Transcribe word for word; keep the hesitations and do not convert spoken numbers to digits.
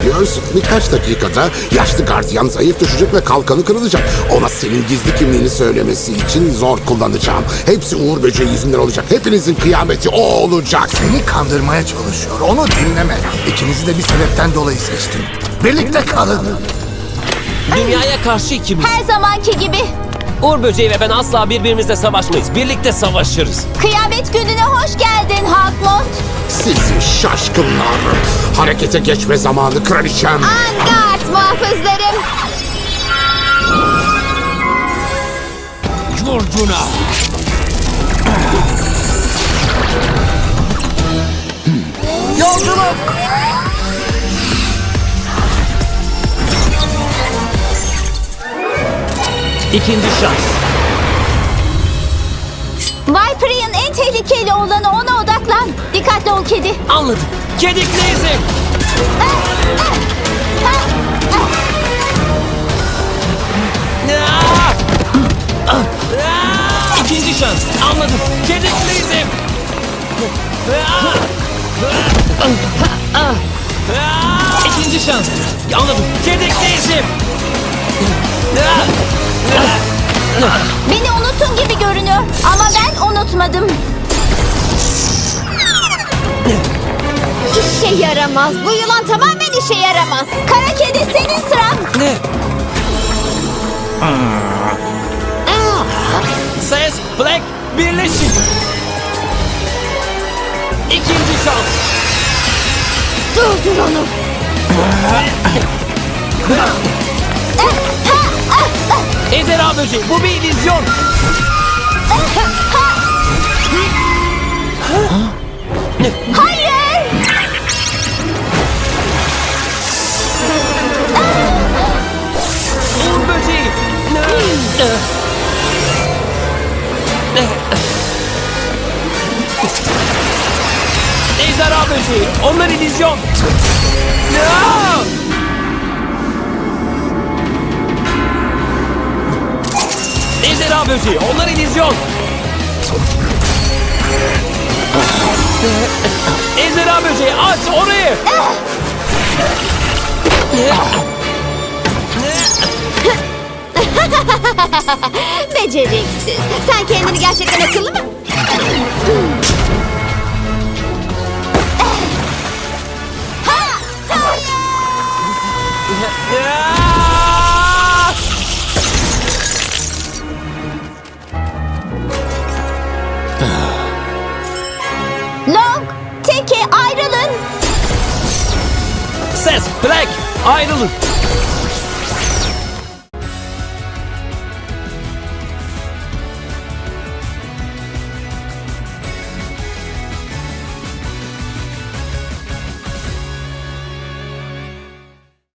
düşünüyorsun? Birkaç dakikada yaşlı gardiyan zayıf düşecek ve kalkanı kırılacak. Ona senin gizli kimliğini söylemesi için zor kullanacağım. Hepsi Uğur Böceği yüzünden olacak. Hepinizin kıyameti o olacak. Seni kandırmaya çalışıyor. Onu dinleme. İkinizi de bir sebepten dolayı seçtim. Birlikte kalın. Dünyaya karşı ikimiz. Her zamanki gibi. Uğur Böceği ve ben asla birbirimizle savaşmayız. Birlikte savaşırız. Kıyamet gününe hoş geldin Hawkmoth. Sizi şaşkınlar. Harekete geçme zamanı kraliçem. Angard muhafızlarım. Vurcuna. Yolculuk. İkinci şans. Viper'ın en tehlikeli olanı, ona odaklan. Dikkatli ol kedi. Anladım. Kedikli izim. Ah! Ah! İkinci şans. Anladım. Kedikli izim. Ah! Ah! Ah! İkinci şans. Anladım. Kedikli izim. Ah! Beni unuttun gibi görünüyor ama ben unutmadım. İşe yaramaz. Bu yılan tamamen işe yaramaz. Kara kedi, senin sıran. Ne? Ses, Black, birleşin. İkinci şans. Durdur onu. Ejderha böceği, bu bir illüzyon. Hayır. Uğur böceği. Ejderha böceği, onlar illüzyon. Ejderha böceği, onlar illüzyon. Ejderha böceği, aç orayı. Beceriksiz. Sen kendini gerçekten akıllı mı? Long, Teke ayrılın. Ses, Black, ayrılın.